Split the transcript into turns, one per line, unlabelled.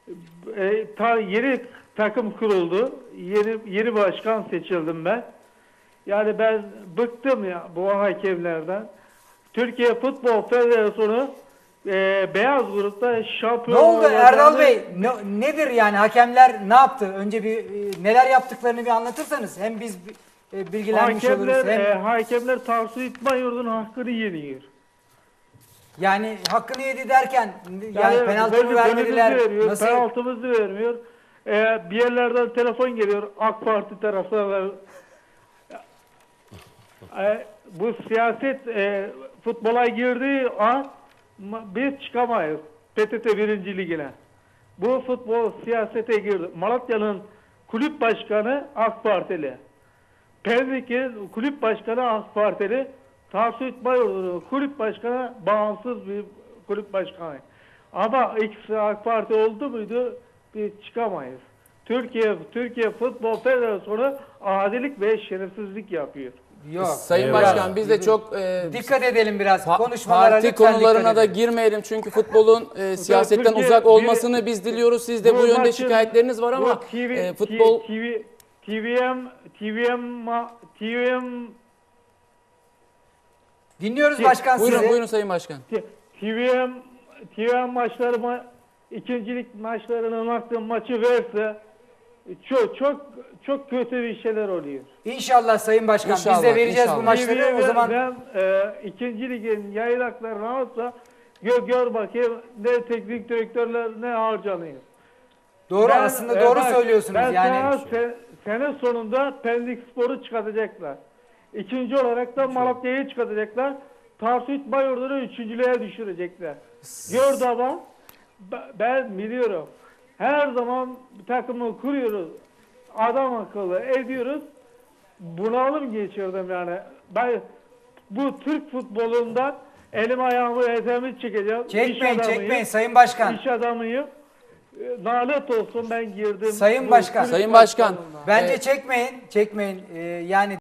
Yeni takım kuruldu. Yeni başkan seçildim ben. Yani ben bıktım ya bu hakemlerden. Türkiye Futbol Federasyonu beyaz grupta şampiyon
Ne oldu
olacağını-
Erdal Bey? Nedir yani hakemler ne yaptı? Önce bir neler yaptıklarını bir anlatırsanız hem biz bilgilenmiş oluruz hem
Hakemler Tarsus İtman Yurdu'nun hakkını yeniyor.
yani hakkını yedi derken yani penaltı mı
golümüzü
vermediler?
veriyor,
Nasıl?
penaltımızı vermiyor. Bir yerlerden telefon geliyor AK Parti taraftarları. Bu siyaset futbola girdiği an biz çıkamayız. PTT 1. Ligine. Bu futbol siyasete girdi. Malatya'nın kulüp başkanı AK Partili. Pendik'in kulüp başkanı AK Partili. Tarsus İtmayurdu'nun kulüp başkanı bağımsız bir kulüp başkanı. Ama ikisi AK Parti oldu muydu biz çıkamayız. Türkiye Futbol Federasyonu adilik ve şerefsizlik yapıyor.
Yok.
Sayın
Eyvallah.
Başkan biz de çok
Dikkat edelim biraz konuşmalara
parti
lütfen
konularına
dikkat
da
edelim.
girmeyelim çünkü futbolun siyasetten
Türkiye-
uzak olmasını biz diliyoruz. Sizde bu yönde
maçın-
şikayetleriniz var ama
bu
futbol
TVM
Dinliyoruz başkan
buyurun
sizi.
buyurun Sayın Başkan.
TVM maçları ikincilik maçlarının hakkı maçı verse çok kötü bir şeyler oluyor.
İnşallah Sayın Başkan biz de
İnşallah,
vereceğiz bu
inşallah.
maçları. O zaman
ben ikinci ligin yayınaklarını alsa gör bakayım ne teknik direktörler ne harcanıyor.
doğru
Ben-
aslında doğru
bak,
söylüyorsunuz
ben
yani.
sene sonunda Pendik Spor'u çıkartacaklar. İkinci olarak da Malatya'yı çıkartacaklar. Tarsus Bayurdu'nu üçüncülüğe düşürecekler. Gördü ama ben biliyorum. Her zaman bir takımı kuruyoruz. Adam akıllı ediyoruz. Bunalım geçirdim yani. Ben bu Türk futbolundan elim ayağımı etemi çekeceğim. İş
Çekmeyin
adamıyım.
çekmeyin Sayın Başkan.
İş adamıyım. Lanet olsun ben girdim.
Sayın Başkan.
Sayın Başkan
Bence çekmeyin. Yani